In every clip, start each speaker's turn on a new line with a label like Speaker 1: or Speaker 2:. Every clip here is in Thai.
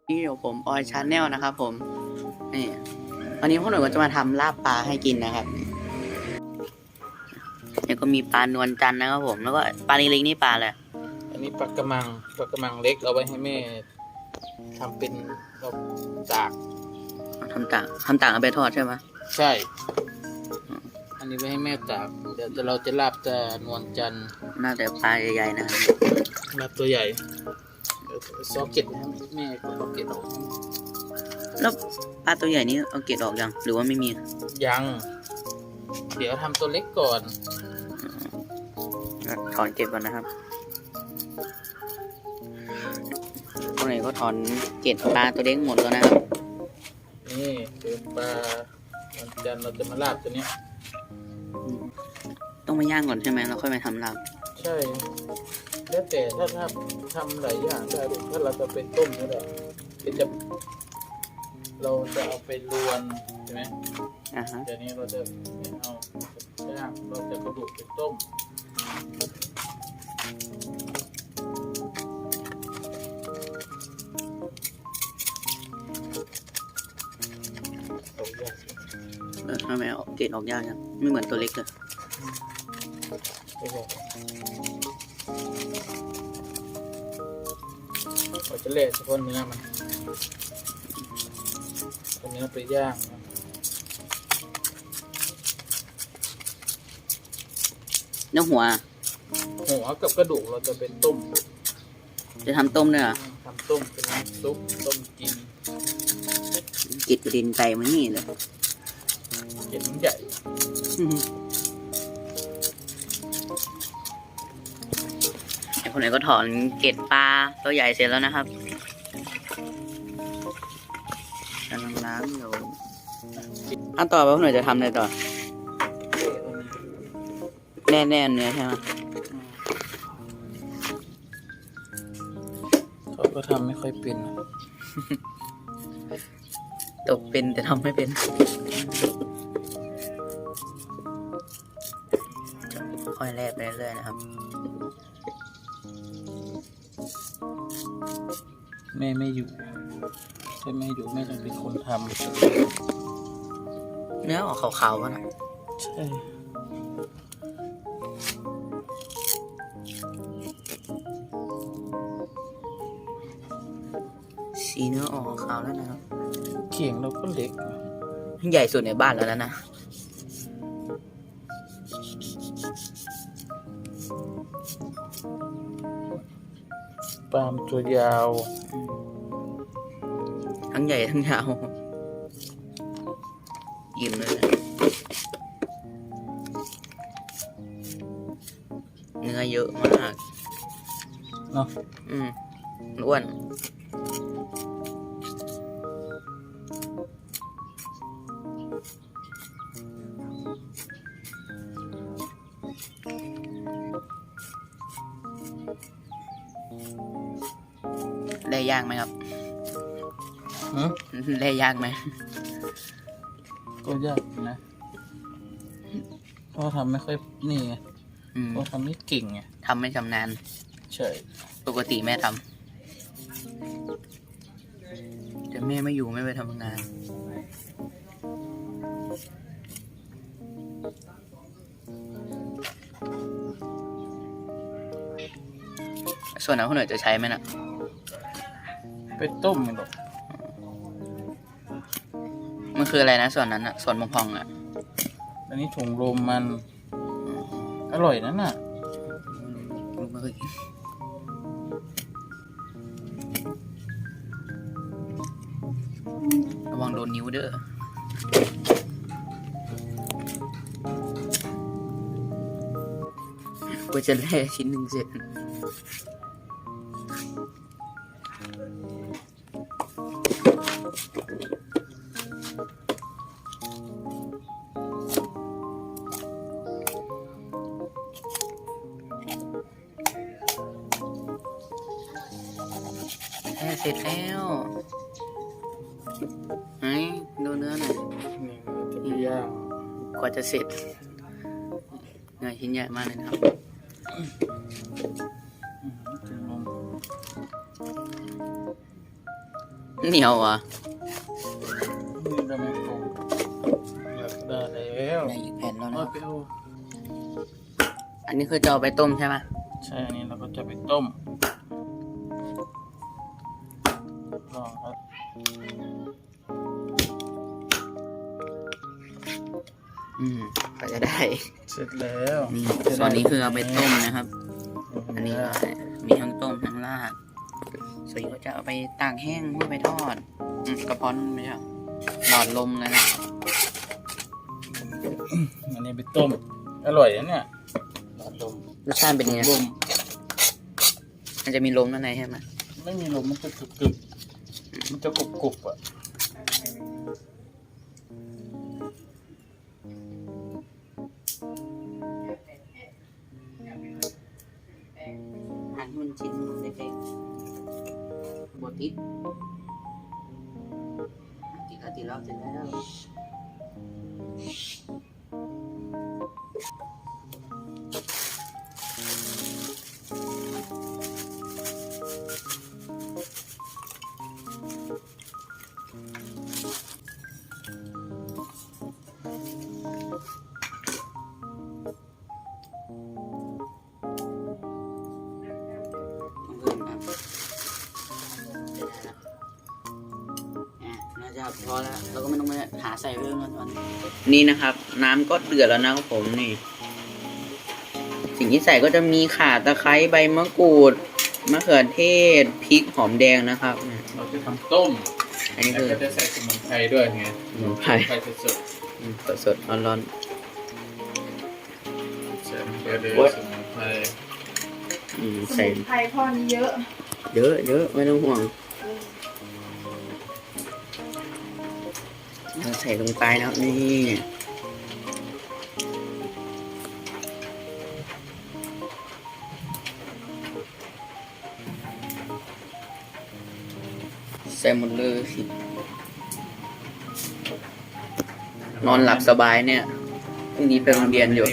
Speaker 1: นี่เดี๋ยวผมออยชาแนลนะครับผมนี่วันนี้พวกหนูก็จะมาทำลาบปลาให้กินนะครับนี่ก็มีปลานวลจันทร์นะครับผมแล้วก็ปลาเล็กๆนี่ปลาอะไร
Speaker 2: อันนี้ปลากระมังเล็กเอาไว้ให้แม่ทำเป็นตาก
Speaker 1: ทำต่างเอาไปทอดใช่ไหม
Speaker 2: ใช่ อันนี้ไว้ให้แม่ตากเดี๋ยวเราจะลาบแต่นวลจันทร์
Speaker 1: น่าจะปลาใหญ่ๆนะครับ
Speaker 2: ลาบตัวใหญ่ซอกเก็ตนะแม่ก็ซอกเก็ตออก
Speaker 1: แล้วปลาตัวใหญ่นี้เอาเกล็ดออกยังหรือว่าไม่มี
Speaker 2: ยังเดี๋ยวทำตัวเล็กก่อน
Speaker 1: ถอนเกล็ดก่อนนะครับพวกไหนก็ถอนเกล็ดปลาตัวเล็กหมดแล้วนะครับ
Speaker 2: นี่คือปลานวลจันทร์เราจะมาลาบตัวนี้
Speaker 1: ต้องมาย่างก่อนใช่ไหมแล้วค่อยมาทำลาบ
Speaker 2: ใช่แล้วแต่ถ้าทำหลายอย่างได้ถ้าเราจะเป็นต้มก็ได้เราจะเอาไปรวนใช่ไหมเดี๋ยวนี้เราจะไม่เอาย่างเราจะกระดูกเป็นต้ม
Speaker 1: ทำไมเอาเกล็ดออกยากจังไม่เหมือนตัวเล็กเลย
Speaker 2: เราจะเละเฉพาะเนื้อมันเนื้อไปย่าง
Speaker 1: เนื้อหัว
Speaker 2: กับกระดูกเราจะเป็นต้ม
Speaker 1: จะทำต้มเนี่ย
Speaker 2: ทำต้มเป็นน้ำซุปต้มกิน
Speaker 1: กินประเด็นไก่มานี่เลย
Speaker 2: เห็นใหญ่
Speaker 1: ไอ้คนไหนก็ถอนเกล็ดปลาตัวใหญ่เสร็จแล้วนะครับกำลังล้างอยู่อันต่อไปคนไหนจะทำอะไรต่อแน่เนื้อใช่ไหม
Speaker 2: เขาก็ทำไม่ค่อยเป็น
Speaker 1: ตกเป็นแต่ทำไม่เป็นค่อยแลบไปเรื่อยๆนะครับ
Speaker 2: แม่ไม่อยู่ถ้าแม่อยู่แม่ต้องเป็นคนทำ
Speaker 1: เนื้อออกขาวๆวะนะ
Speaker 2: ใช่
Speaker 1: สีเนื้อออกขาวแล้วนะครับ
Speaker 2: เขียงเราก็เล็ก
Speaker 1: ใหญ่สุดในบ้านแล้วนะ
Speaker 2: ปลามตัวยาว
Speaker 1: ทั้งใหญ่ทั้งยาวยิ้มเลยเนื้อเยอะมาก
Speaker 2: เนาะ
Speaker 1: อ้วนได้ยากไหมครับได้ยากไหม
Speaker 2: ก็ยากนะเพราะทำไม่ค่อยนี่ไงเพราะทำไม่เก่งไง
Speaker 1: ทำไม่ชำนาญ
Speaker 2: ใช่
Speaker 1: ปกติแม่ทำแต่แม่ไม่อยู่ไม่ไปทำงานส่วนนั้นคนอื่นจะใช้ไหมนะ
Speaker 2: ไปต้มมันหรอก
Speaker 1: มันคืออะไรนะส่วนนั้นอะส่วนพองๆอะ
Speaker 2: อันนี้ถุงลมมันอร่อยนั่นน่ะ
Speaker 1: ไม่เคยกินระวังโดนนิ้วเด้อกูจะแล่ชิ้นหนึ่งเสร็จเสร็จแล้วไหนดูเนื้อหน่อย
Speaker 2: นี่ย่าง
Speaker 1: กว่าจะเสร็จเนื้อชิ้นใหญ่มากเลยครับเหนียวอ่ะ
Speaker 2: นี่ได้ไหมโอ้อยากได้แล้ว
Speaker 1: ได้อีกแผ่นแล้ว
Speaker 2: เอา
Speaker 1: นะ
Speaker 2: ไปเอา
Speaker 1: อันนี้คือจะเอาไปต้มใช่ไหม
Speaker 2: ใช่อันนี้เราก็จะไปต้มลองครับ
Speaker 1: ก็จะได้
Speaker 2: เสร็จแล้ว
Speaker 1: นี่ส่วนนี้คือเอาไปต้มนะครับ อันนี้ก็มีทั้งต้มทั้งราดส่วนนี้ก็จะเอาไปตากแห้งเพื่อไปทอดกระเพาะไม่ใช่หลอดลมเลยนะ
Speaker 2: อันนี้ไปต้มอร่อยนะเนี่ยหลอดลม
Speaker 1: รสชาติเป็นยังไง
Speaker 2: ลม
Speaker 1: มันจะมีลมด้านในใช่ไหม
Speaker 2: ไม่มีลมมันจะกรึบๆมันจะกรุบๆอ่ะ
Speaker 1: หั่นมันชิ้นเล็กๆบดติดติดแล้วเสร็จแล้วน่าจะพอแล้วเราก็ไม่ต้องมาหาใส่เรื่องกันตอนนี้นะครับ น้ำก็เดือดแล้วนะครับผมนี่ สิ่งที่ใส่ก็จะมีข่าตะไคร้ใบมะกรูดมะเขือเทศพริกหอมแดงนะครับ
Speaker 2: เราจะทำต้ม
Speaker 1: อันนี้
Speaker 2: แล้ว
Speaker 1: คือ
Speaker 2: ก็จะใส่สมุนไพรด้วยไง
Speaker 1: สมุนไพร
Speaker 2: สด
Speaker 1: สดๆร้อน
Speaker 2: ๆใส่เกลือสมุนไพร
Speaker 1: ๆ
Speaker 3: ส
Speaker 1: ใส่
Speaker 3: มุนไพรพ่อนี้เยอะ
Speaker 1: เยอะไม่ต้องห่วงเราใส่ลงไปแล้วนี่ใส่หมดเลยนอนหลับสบายเนี่ยพรุ่งนี้ไปโรงเรียนอยู่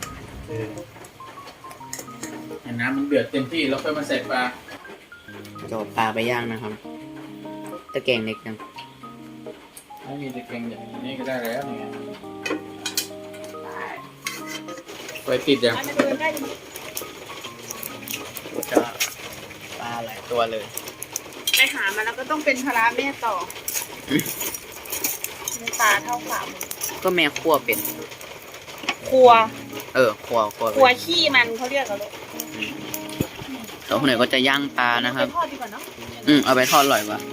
Speaker 2: ให้น้ำมันเดือดเต็มที่แล้วค่อยมาใส่ปลา
Speaker 1: จะเอาปลาไปย่างนะครับตะแกรงเล็กจัง
Speaker 2: ถ้ามีตะเกียงอย่างนี้ก็ได้แล้วเนี่ยไฟติดยัง
Speaker 3: อันนี้เดินได้ดิ
Speaker 1: จะปลาหลายตัวเลย
Speaker 3: ไปหามาแล้วก็ต้องเป็นภาระแม่ต่อมีตาเท่าฝ่ามือ
Speaker 1: ก็แม่คั่วเป็น
Speaker 3: ครัว
Speaker 1: คั่ว
Speaker 3: ครัวขี้มันเขาเรียกกันเลย
Speaker 1: แล้วคนไหนก็จะย่างปลานะครับ
Speaker 3: ไปทอดดีกว่าเนาะ
Speaker 1: เอาไปทอดอร่อยกว่า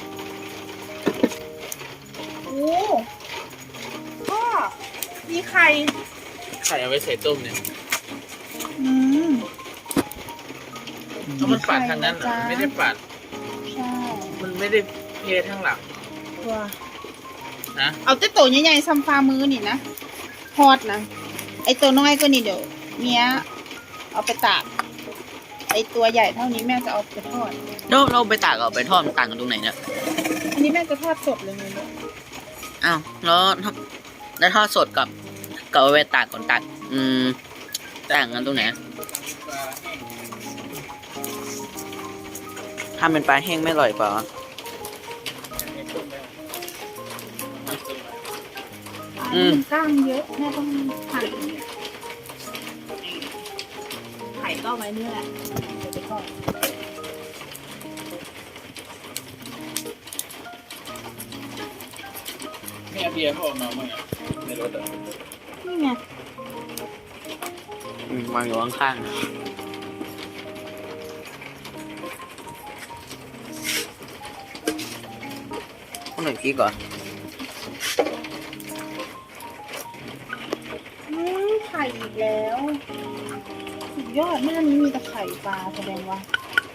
Speaker 3: โอ้พ่อมีไข่
Speaker 2: ไข่เอาไว้ใส่ต้มเนี่ย
Speaker 3: อืม
Speaker 2: ถ้ามันปาดทางนั้นอะมันไม่ได้ปาด
Speaker 3: ใช่
Speaker 2: มันไม่ได้เททางหลัง
Speaker 3: ตัว
Speaker 2: นะ
Speaker 3: เอาแต่ตัวใหญ่ๆซ้ำฝ่ามือนี่นะทอดนะไอตัวน้อยก็นี่เดี๋ยวเมียเอาไปตากไอตัวใหญ่เท่านี้แม่จะเอาไปทอด
Speaker 1: แล้วเราไปตากเอาไปทอดมันต่างกันตรงไหนเนี่ย
Speaker 3: อันนี้แม่จะทอดสดเลยเนี่ย
Speaker 1: อ้าวแล้วทอดสดกับเอาไปตากก่อนต่างต่างกันตรงไหนถ้าเป็นปลาแห้งไม่อร่อยกว่า อืม
Speaker 3: กล้างเยอะแม่ต้องหั่นไข่ก็เอาไว้นี่แหละเดี๋ยวไปทอด
Speaker 2: แม่เบียร์เขาออกมาเมื่อไงในรถอ่ะ
Speaker 3: นี่ไง
Speaker 1: วางอยู่ข้างๆข้างหนึ่งพริกก่อน
Speaker 3: ไข่อีกแล้วสุดยอดแม่นี้มีแต่ไข่ปลาแสดงว่า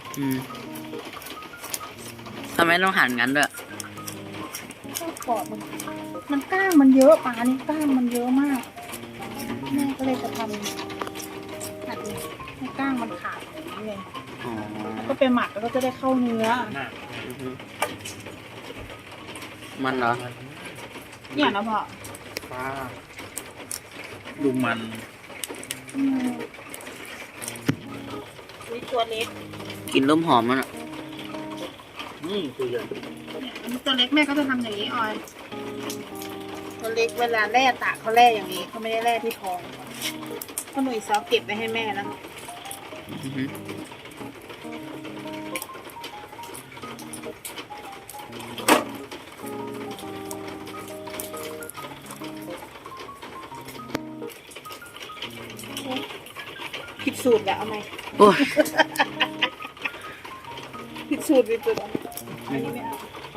Speaker 1: ทำไมต้องหั่นงั้นด้วย
Speaker 3: ข้าวกรอบมันกล้างมันเยอะปลานี่กล้างมันเยอะมากแม่ก็เลยจะทำหั่นให้กล้างมันขาดอย่างนี้เลย
Speaker 1: อ๋อ
Speaker 3: แล้วก็ไปหมักแล้วก็จะได้เข้าเนื้อ
Speaker 1: มันเหรอ
Speaker 3: เนี่ยนะพ่อ
Speaker 2: ปลาดูมัน
Speaker 3: นี่ตัวเล็ก
Speaker 1: กินเริ่มหอมแล้วน่ะ
Speaker 2: มตัวใหญ่
Speaker 3: ตัวเล็กแม่ก็จะทำอย่างนี้ออย ตัวเล็กเวลาแร่ตากเขาแร่อย่างนี้เขาไม่ได้แร่ที่ท้องเพราะหนุ่ยซอฟเก็บไปให้แม่แล้ว
Speaker 1: อือฮึ
Speaker 3: ผิดสูตรแล้วเอาไหม
Speaker 1: โอ้ย
Speaker 3: ผิดสูตรผิดสูตรอันนี้ไม่เอา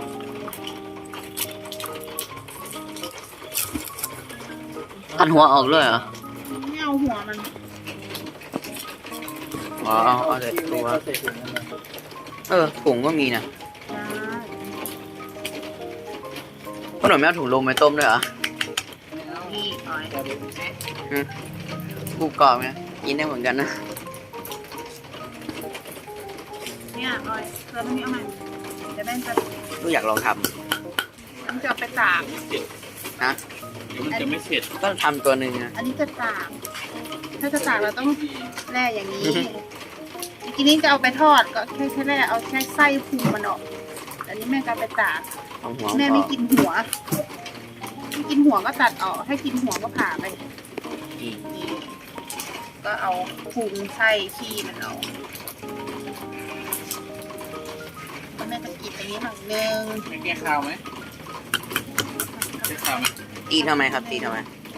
Speaker 1: ตัดหัวออกเลยเหรอ
Speaker 3: ไม่เอาหัวมัน
Speaker 1: อ๋อเอาแต่ตัว
Speaker 2: ใส่ถุงนั่นแหละ
Speaker 1: ถุงก็มีนะ
Speaker 3: ได้
Speaker 1: ขนมไม่เอาถุงลมไปต้มด้วยเหรอ
Speaker 3: นี่ออย
Speaker 1: กูกรอบไงกินได้เหมือนกันนะ
Speaker 3: เนี่ยออยเกลือตรงนี้เอาไหมเดี๋ยวแม่จะ
Speaker 1: กูอยากลองท
Speaker 3: ต้องจะเอาไปตาก
Speaker 1: ำนะ
Speaker 2: เดี๋ยวมันจะไม่เสร็จ
Speaker 1: ก็ทำตัวหนึ่งนะ
Speaker 3: อันนี้จะตาก ถ้าจะตากเราต้องแร่อย่างนี้ทีนี้จะเอาไปทอดก็แค่แร่เอาแค่ไส้พุงมันออก อันนี้แม่จะเอาไปตาก
Speaker 1: เอาหัว
Speaker 3: แม่
Speaker 1: อ
Speaker 3: ไม่
Speaker 1: อก
Speaker 3: กินหัว ไม่กินหัวก็ตัดออก ให้กินหัวก็ผ่าไป
Speaker 1: อีก
Speaker 3: นี่ก็เอาพุงไส้ขี้มันออกแล้วแม่จะกินอันนี้หน่อยนึง
Speaker 2: ไม่แก้ข้าวไหมแก้ข้าวไหม
Speaker 1: ตีทำไมครับตีทำไม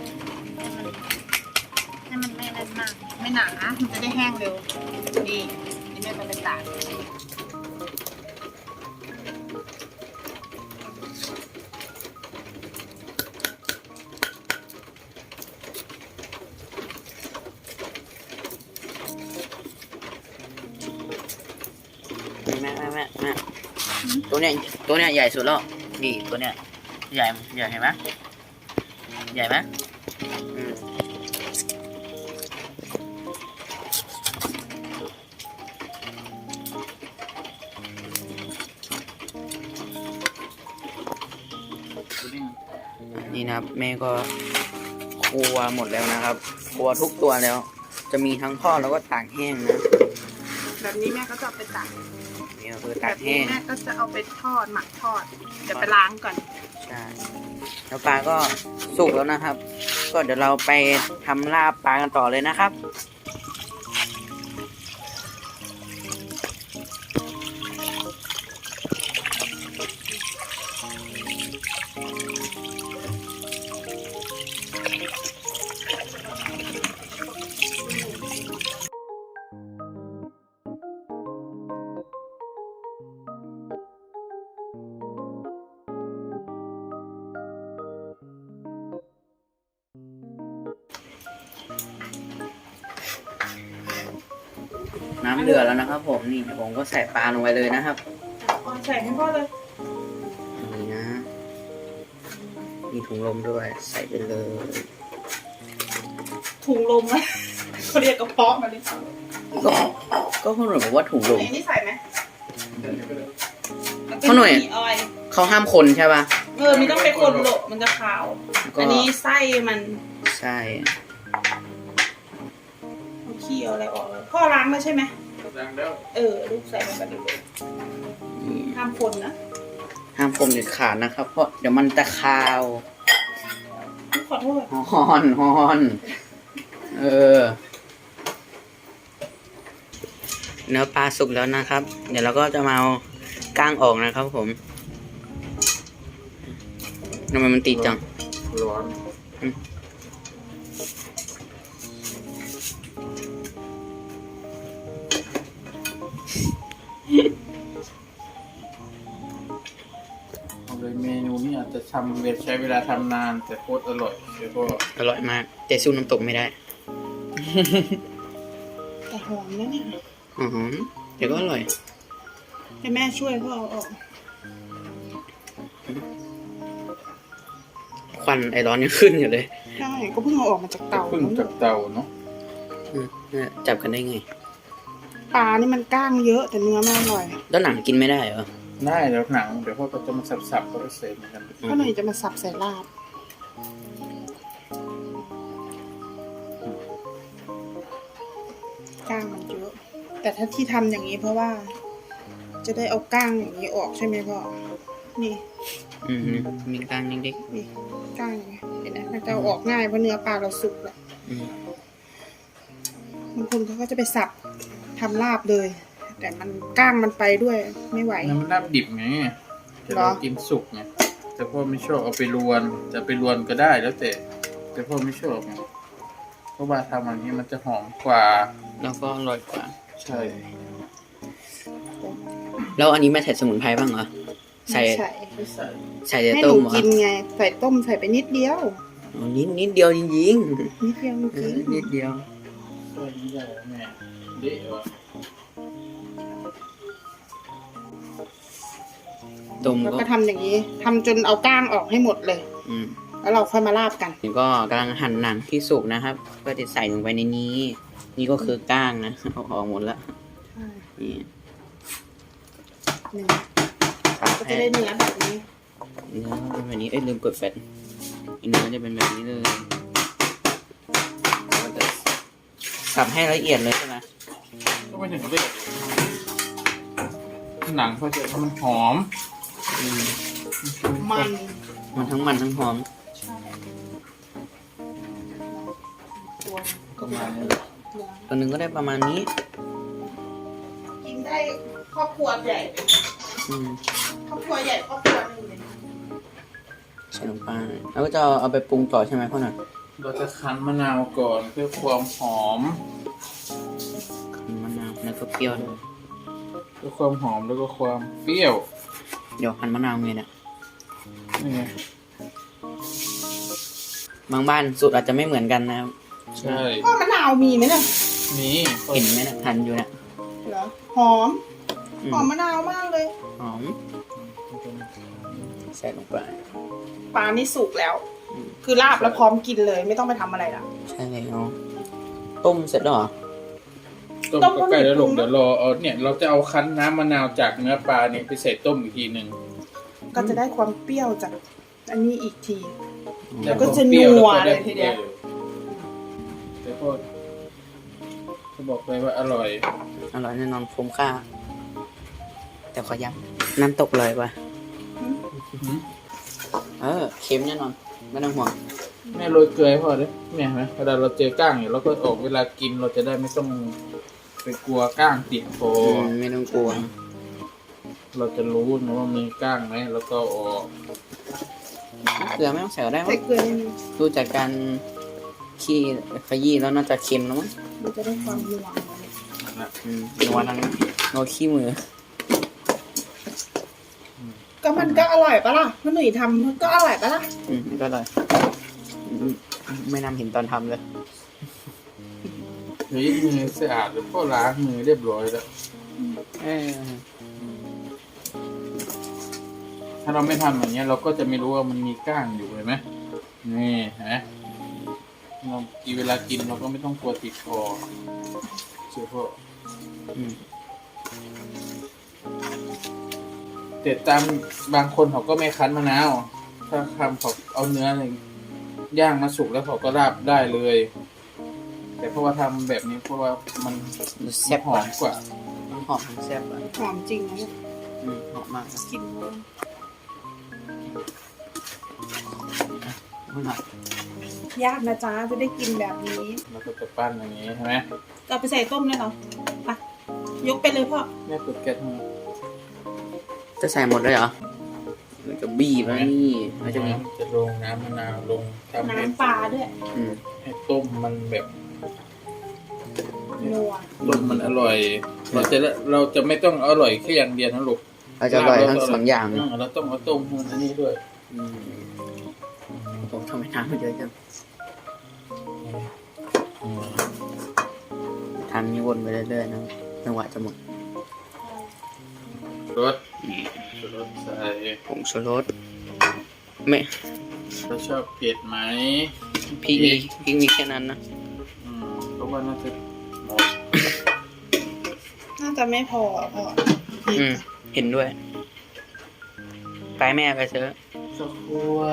Speaker 3: ให้มันไม่นั่นมาก ไม่หนานะมันจะได้แห้งเร็ว นี่นี่แม่จะไปตาก
Speaker 1: แม่ตัวเนี้ยใหญ่สุดแล้วนี่ตัวเนี้ยใหญ่เห็นไหมใหญ่ไหมอืม
Speaker 2: ตัวนี้
Speaker 1: นี่นะครับแม่ก็ครัวหมดแล้วนะครับครัวทุกตัวแล้ว จะมีทั้งทอดแล้วก็ตากแห้งนะ
Speaker 3: แบบนี้แม่ก็จะเอาไปตาก
Speaker 1: นี่ก็คือ
Speaker 3: แบ
Speaker 1: ตาก
Speaker 3: บ
Speaker 1: แห้
Speaker 3: นี้
Speaker 1: ง
Speaker 3: แม่ก็จะเอาไปทอดหมักทอด เดี๋ยวไปล้างก่อน
Speaker 1: ใช่แล้วปลาก็สุกแล้วนะครับ ก็เดี๋ยวเราไปทำลาบปลากันต่อเลยนะครับ น้ำเดือดแล้วนะครับผมนี่เดี๋ยวผมก็ใส่ปลาลงไปเลยนะครับ
Speaker 3: ใส่ให้พ่อเลย
Speaker 1: นี่นะ มีถุงลมด้วย ใส่ไปเลย
Speaker 3: ถุงลมไหมเขาเรียกกระเพาะมาเลย
Speaker 1: ก็เขาหน่อยบอกว่าถุงลม
Speaker 3: อันนี้ใส่ไหม
Speaker 1: เขาหน่อย
Speaker 3: ออย
Speaker 1: เขาห้ามคนใช่ป่ะ
Speaker 3: มีต้องไปคนโหลมันจะขาว
Speaker 1: ก็
Speaker 3: อันนี้ไส้มัน
Speaker 1: ใช่
Speaker 3: เอาขี้เอาอะไรออกเลยพ่อล้างแล้วใช่ไหม
Speaker 2: ดังแล้ว
Speaker 3: ลูกใส่ลงไปเลย
Speaker 1: นี่
Speaker 3: ห้ามคนนะ
Speaker 1: ห้ามคนเด็ดขาดนะครับ เพราะเดี๋ยวมันจะคาว
Speaker 3: ขอโทษ
Speaker 1: ฮอนเนื้อปลาสุกแล้วนะครับ เดี๋ยวเราก็จะมาเอาก้างออกนะครับผมทำไมมันติดจัง
Speaker 2: ร้อน เอาเลยเมนูนี้อาจจะใช้เวลาทำนานแต่โคตรอร่อยแล้วก็
Speaker 1: อร่อยมาก แต่สู้น้ำตกไม่ได้
Speaker 3: แต่หอมนะเนี่ย
Speaker 1: อือหือเดี๋ยวก็อร่อย
Speaker 3: ให้แม่ช่วยพ่อเอาออก
Speaker 1: ควันไอร้อนยังขึ้นอยู่เลย
Speaker 3: ใช่ก็เพิ่งเอาออกมาจากเตา
Speaker 2: เพิ่งจากเตาเนาะ
Speaker 1: เนี่ยจับกันได้ไง
Speaker 3: ปลานี่มันก้างเยอะแต่เนื้อไม่อร่อย
Speaker 1: แล้วหนังกินไม่ได้เหรอ
Speaker 2: ได้แล้วหนังเดี๋ยวพ่อก็จะมาสับๆก็ไปเสร็จเหมือนกัน
Speaker 3: ก็เลยจะมาสับใส่ลาบก้างมันเยอะ แต่ถ้าที่ทำอย่างนี้เพราะว่าจะได้เอาก้างอย่างนี้ออกใช่ไหมพ่อนี่
Speaker 1: มีกลางเล็ก
Speaker 3: นี่ก้างอย่างเงี้ยเห็นไหมมันจะเอาออกง่ายเพราะเนื้อปลาเราสุกแล้ว บางคนเขาก็จะไปสับทำลาบเลย แต่มันก้างมันไปด้วยไม่ไหว
Speaker 2: น้ำลาบดิบไงแต่เรากินสุกไงแต่พ่อไม่ชอบเอาไปรวนจะไปรวนก็ได้แล้วแต่พ่อไม่ชอบไงเพราะว่าทำอันนี้มันจะหอมกว่า
Speaker 1: แล้วก็อร่อยกว่า
Speaker 2: ใช่
Speaker 1: แล้วอันนี้ไม่ใส่สมุนไพรบ้างเหรอ ใส่
Speaker 3: ไม่ใส่
Speaker 2: ไม่ใส่
Speaker 1: ใส่แต่
Speaker 3: ให้ห
Speaker 1: ต้
Speaker 3: นู
Speaker 1: มเหรอ
Speaker 3: กินไงใส่ต้มใส่ไปนิดเดียว
Speaker 1: อ๋อนิดเดียวจริง
Speaker 3: นิดเดียวจ
Speaker 1: ๆ
Speaker 3: ริง
Speaker 1: นิดเดียว
Speaker 2: ใส่ไม่ได้แม่เด็ดว่ะ
Speaker 1: ต้ม
Speaker 3: แล้ว
Speaker 1: ก็
Speaker 3: ก็ทำอย่างนี้ทำจนเอาก้างออกให้หมดเลย
Speaker 1: อืม
Speaker 3: แล้วเราค่อยมาลาบกัน
Speaker 1: นี่ก็กำลังหั่นหนังที่สุกนะครับก็จะใส่ลงไปในนี้ นี่ก็คือก้างนะเอาออกหมดแล้วนี่
Speaker 3: หนึ่ง
Speaker 1: ครับ
Speaker 3: ก็จะได้เนื้อแบบนี้
Speaker 1: เนื้อเป็นแบบนี้ลืมกดแฟตเนื้อจะเป็นแบบนี้เลยก็จะสับให้ละเอียดเลยใช่ไหม
Speaker 2: ก็ไม่ถึงกับเด็ดหนังเขาจะมันหอม
Speaker 1: อืม
Speaker 3: มัน
Speaker 1: มันทั้งมันทั้งหอม
Speaker 3: ตัว
Speaker 2: ประมาณนี้
Speaker 1: ตัวหนึ่งก็ได้ประมาณนี้
Speaker 3: กินได้ครอบครัวใหญ่
Speaker 1: อืม
Speaker 3: ครอบครัวใหญ่ครอบครัวหนึงเลย
Speaker 1: ใส่ลงไปแล้วก็จะเอาไปปรุงต่อใช่ไหมพ่อหน่อย
Speaker 2: เราจะคั้นมะนาวก่อนเพื่อความหอม
Speaker 1: มะนาวแล้วก็เปรี้ยวด้วย
Speaker 2: เพื่อความหอมแล้วก็ความเปรี้ยว
Speaker 1: เดี๋ยวหั่นมะนาวไงเนี่ย
Speaker 2: นี่ไง
Speaker 1: บางบ้านสูตรอาจจะไม่เหมือนกันนะครับ
Speaker 2: ใช่
Speaker 3: พ่อมะนาวมีไหมเนี่ย
Speaker 2: นี่
Speaker 1: เห็นไหมนะหั่นอยู่เนี่ย
Speaker 3: เหรอหอม
Speaker 1: อืม
Speaker 3: หอมมะนาวมากเลย
Speaker 1: หอมใส่ลงไป
Speaker 3: ปลานี่สุกแล้ว
Speaker 1: อืม
Speaker 3: คือลาบแล้วพร้อมกินเลยไม่ต้องไปทำอะไรละ
Speaker 1: ใช่แล้วต้มเสร็จแล้วเหรอ
Speaker 2: ต้มก็ใกล้แล้วลูกเดี๋ยวรอเอาเนี่ยเราจะเอาคั้นน้ำมะนาวจากเนื้อปลาเนี่ยไปใส่ต้มอีกทีหนึ่ง
Speaker 3: ก็จะได้ความเปรี้ยวจากอันนี้อีกที
Speaker 2: ได้
Speaker 3: แล้วก็จะ
Speaker 2: ความปรี้ย
Speaker 3: นัว
Speaker 2: แก็ไ
Speaker 3: เลยทีเดียว
Speaker 2: แต่พ่อจะบอกเลยว่าอร่อย
Speaker 1: อร่อยแน่นอนคุ้มค่า แต่ขอย้ำน้ำตกเลยว่ะเค็มแน่นอนไม่ต้องห่วง
Speaker 2: แม่โรยเกลือให้พ่อด้วยเนี่ยเห็นไหมเวลาเราเจอก้างเนี่ยเราก็ออกเวลากินเราจะได้ไม่ต้องไปกลัวก้างติดคอ
Speaker 1: ไม่ต้องกลัว
Speaker 2: เราจะรู้นะว่ามีก้างไหมแล้วก็ออก
Speaker 1: เกลือไม่ต้องใส่ก็ได้
Speaker 3: ใส่
Speaker 1: มั้ง
Speaker 3: เกลือนิดนึง
Speaker 1: ดูจากการขี้ขยี้แล้วน่าจะเค็มแล้วมั้ง
Speaker 3: มันจะได้ความนัว
Speaker 1: นัวทั้งนัวขี้มือ
Speaker 3: ก็มันก็อร่อยปะล่ะพ่อหนุ่ยทำมันก็อร่อยปะล่ะ
Speaker 1: ก็เลยไม่นำเห็นตอนทำเลย
Speaker 2: เฮ้ยมือสะอาดแล้วพ่อล้างมือเรียบร้อยแล้ว ถ้าเราไม่ทำอย่างเงี้ยเราก็จะไม่รู้ว่ามันมีก้างอยู่เห็นไหมนี่เห็นไหมเราเวลากินเราก็ไม่ต้องกลัวติดคอเชื่อพ่อ แต่ตามบางคนเขาก็ไม่คั้นมะนาวถ้าทำเขาเอาเนื้ออะไรย่างมาสุกแล้วเขาก็ราบได้เลย แต่เพราะว่าทำแบบนี้เพราะว่ามัน
Speaker 1: แซ่บ
Speaker 2: หอมกว่า
Speaker 1: ทั้งหอมทั้งแซ่บอ่ะ
Speaker 3: หอมจริงนะเนี่ย
Speaker 1: หอมมากนะ
Speaker 3: กินเลย ยากนะจ๊ะจะได้กินแบบนี้
Speaker 2: แล้วก็จะปั้นอย่างนี้ใช่ไหม
Speaker 3: จะเอาไปใส่ต้มเลยเหรอไปยกไปเลยพ่อ
Speaker 2: แม่เปิดแก๊สให้
Speaker 1: จะใส่หมดเลยเหรอแล้วก็บีบแล้วนี่มันจะมี
Speaker 2: จะลงน้ำมะนาวลงทำให้
Speaker 3: น้ำปลาด้วย
Speaker 2: ให้ต้มมันแบบ
Speaker 3: นัว
Speaker 2: ต้มมันอร่อย เราจะไม่ต้องอร่อยแค่อย่างเดียวนะลูก
Speaker 1: เราจะอร่อยทั้งสองอย่างเลย
Speaker 2: เราต้องเอาต้มมันอันนี้ด้วย
Speaker 1: ผมทำให้น้ำมันเยอะจังทำนี้วนไปเรื่อยๆนะจังหวะจะหมด
Speaker 2: รสรสใส่
Speaker 1: ผงชูรสไม่
Speaker 2: เราชอบเผ็ดไหม
Speaker 1: พริกมีแค่นั้นนะ
Speaker 2: เพราะว่าน่าจะหมด
Speaker 3: น่าจะไม่พอพ่อ
Speaker 1: เห็นด้วยไปแม่ไปซื้อ
Speaker 2: ข้าวคั่ว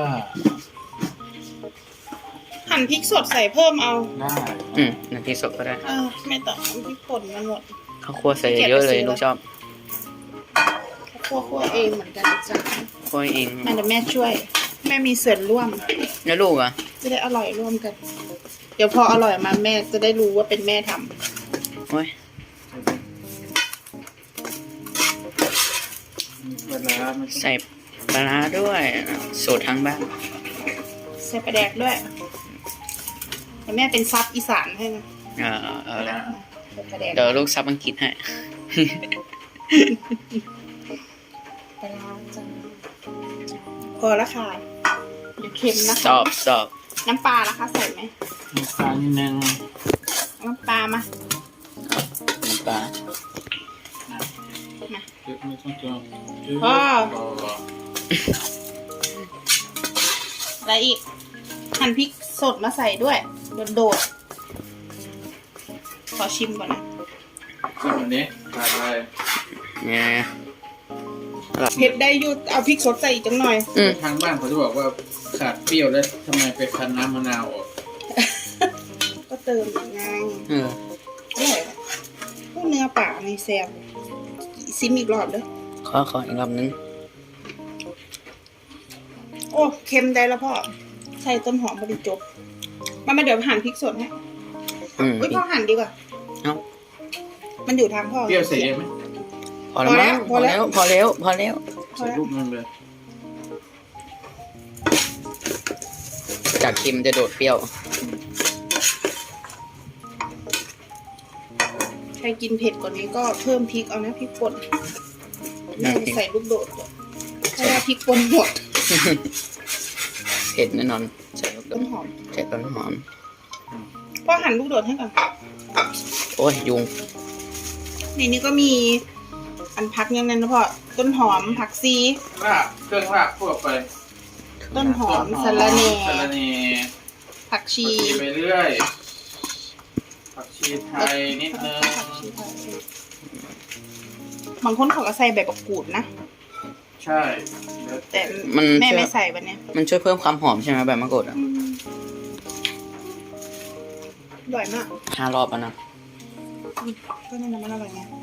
Speaker 3: หั่นพริกสดใส่เพิ่มเอา
Speaker 2: ได้
Speaker 1: น้ำพริกสดก็ได้
Speaker 3: ไม่ต้องพริกป่นมันหมด
Speaker 1: ข้าวคั่วใส่เยอะเลยลูกชอบ
Speaker 3: คั่วเองเหมือนกันจ้ะ
Speaker 1: คอยเอง
Speaker 3: แม่เดี๋ยวแม่ช่วย แม่มีส่วนร่วม
Speaker 1: แล้วลูกอ่ะ
Speaker 3: จะได้อร่อยร่วมกัน เดี๋ยวพออร่อยมาแม่จะได้รู้ว่าเป็นแม่ทำ
Speaker 1: โอ้ย
Speaker 2: เวลามัน
Speaker 1: ใส่ปลาร้าด้วยสูตรทั้งบ้าน
Speaker 3: ใส่ปลาแดกด้วยเดี๋ยวแม่เป็นซับอีสานให้นะ
Speaker 1: เอาละ
Speaker 3: ใส่ปลาแดก
Speaker 1: เดี๋ยวลูกซับอังกฤษให้
Speaker 3: ปลาร้าจ้ะพอละค่ะเดี๋ยวเค็มนะคะ
Speaker 1: สอบ
Speaker 3: น้ำปลาละคะใส่ไหม
Speaker 2: มีปลานิดนึง
Speaker 3: น้ำปลามา
Speaker 1: น้ำปลา
Speaker 3: มา
Speaker 2: เยอะไม่ต้องเจอ
Speaker 3: พ่อ อะไรอีก หั่นพริกสดมาใส่ด้วย โดดๆขอชิมก่อนนะ
Speaker 2: ชิมอันนี้ขาดอะไร
Speaker 1: เนี่ย
Speaker 3: เผ็ดได้อยุดเอาพริกสดใส่อีกจังหน่อย
Speaker 2: ทางบ้านเขาจะบอกว่าขาดเปรี้ยวแล้วทำไมไปคั้นน้ำมะนาวออก
Speaker 3: ก็เติมอีกไง
Speaker 1: เออ
Speaker 3: อร่อยอะพวกเนื้อป่าในแซ่บซิมอีกรอบเด้อ
Speaker 1: ขออีกรอบนึง
Speaker 3: โอ้เค็มได้แล้วพ่อ ใส่ต้นหอมบริจบมาเดี๋ยวหั่นพริกสดให้ อุ้ยพ่อหั่นดีกว่า
Speaker 1: เอ้า
Speaker 3: มันอยู่ทางพ่อ
Speaker 2: เปรี้ยวใส่เยอะไหม
Speaker 1: พอแล้วมั้ง
Speaker 3: พอแล้ว
Speaker 1: พอแล้ว
Speaker 3: พอ
Speaker 2: ใส่
Speaker 3: แล้ว
Speaker 2: ลูกมันเลย
Speaker 1: จากเค็มจะโดดเปรี้ยว
Speaker 3: ใครกินเผ็ดกว่านี้ก็เพิ่มพริกเอานะพริกป่นแม่จะใส่ลูกโดดก่อนเพราะว่าพริกป่นหมด
Speaker 1: เผ็ดแน่นอนใส่ลูกโด
Speaker 3: ต้
Speaker 1: ด
Speaker 3: นหอม
Speaker 1: ใส่ต้นหอม
Speaker 3: พ่อหั่นลูกโดดให้ก่อน
Speaker 1: โอ้ยยุง
Speaker 3: ในนี้ก็มี อันพักยังนั้นนะพ่อต้นหอมผักซี
Speaker 2: ลาบเครื่องลาบทั่วไป
Speaker 3: ต้นหอมสะระแหน่
Speaker 2: สะระแหน่
Speaker 3: ผักชี
Speaker 2: ผักชีไปเรื่อยผักชีไทยนิดนึง
Speaker 3: ผักชีไทยบางคนเขาก็ใส่ใบมะกรูดนะ
Speaker 2: ใช่แล้ว
Speaker 3: แต่
Speaker 1: มัน
Speaker 3: แม่
Speaker 1: ช่วย
Speaker 3: ไม่ใส่วันเนี้ย
Speaker 1: มันช่วยเพิ่มความหอมใช่ไหมแบบมะกรูดอ่ะ
Speaker 3: อร่อยมาก
Speaker 1: 5 รอบแล้วนะ
Speaker 3: ก็นั่นนะมันอร่อยไง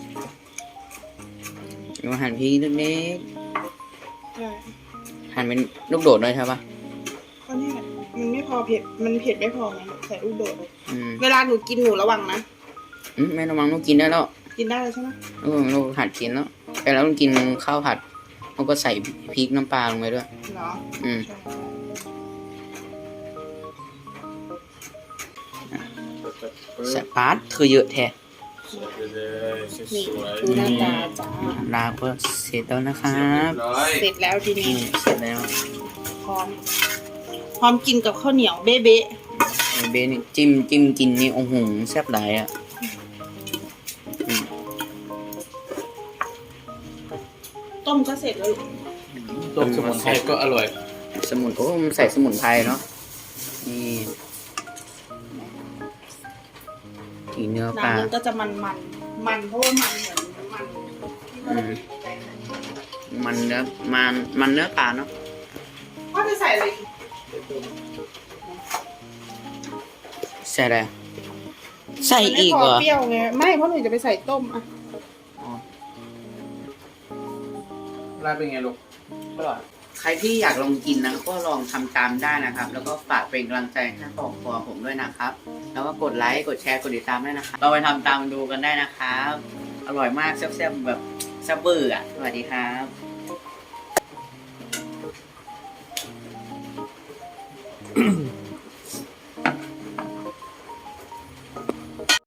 Speaker 1: ดูหั่นพริกเล็ก
Speaker 3: ใช่
Speaker 1: ๆหั่นเป็นลูกโดดด้วยใช่ปะ
Speaker 3: ก็นี่แหละมันไม่พอเผ็ด มันเผ็ดไม่พอไงใส่ลูกโดด
Speaker 1: อืม
Speaker 3: เวลาหนูกินหนูระวังนะ
Speaker 1: แม่ระวังลูกกินได้แล้ว
Speaker 3: กินได้เลยใช่ไหม
Speaker 1: ลูกหัดกินแล้วแต่แล้วลูกกินข้าวผัดลูกก็ใส่พริกน้ำปลาลงไปด้วย
Speaker 3: เหรอ
Speaker 1: อืม
Speaker 3: ใช่
Speaker 1: สปาร์ตคือเยอะแท้
Speaker 2: สวยไปเลยส
Speaker 3: นี่
Speaker 2: วย
Speaker 3: ดูหน้าตาจ้า
Speaker 1: ลาก็เสร็จแล้วนะค
Speaker 2: เรี
Speaker 1: รั
Speaker 2: ย
Speaker 1: บบ
Speaker 2: ร้อย
Speaker 3: เสร็จแล้วทีนี้
Speaker 1: เสร็จแล้ว
Speaker 3: พร้อม พร้อมกินกับข้าวเหนียวเบ๊ะ
Speaker 1: ไอ้เบนนี่จิ้มกินนี่โอ้โหแซ่บหลายอ่ะ
Speaker 3: ๆต้มก็เสร็จแล้วลูก
Speaker 2: ต้มสมุนไพรก็อร่อย
Speaker 1: สมุนโอ้มันใส่สมุนไพรเนาะนี่ทีเนื้อปลา
Speaker 3: น้ำมันก็จะมันเพราะว่ามันเหมือนน้ำมันที่เราไปใส่
Speaker 1: มันเนื้อปลาเนาะ
Speaker 3: พ่อจะใส่อะไรอีก
Speaker 1: ใส่อะไรใส่อีกเหรอ
Speaker 3: มันไม่พเปรี้ยวไงไม่เพราะหนูจะไปใส่ต้มอ่ะ
Speaker 2: ลาบเป็นไงลูก
Speaker 1: อร่อยใครที่อยากลองกินนะก็ลองทำตามได้นะครับ แล้วก็ฝากเป็นกำลังใจให้ครอบครัวผมด้วยนะครับ แล้วก็กดไลค์กดแชร์กดติดตามด้วยนะครับเราไปทำตามดูกันได้นะครับ อร่อยมากแซ่บๆแบบแซ่บเบอร์อ่ะสวัสดีครับ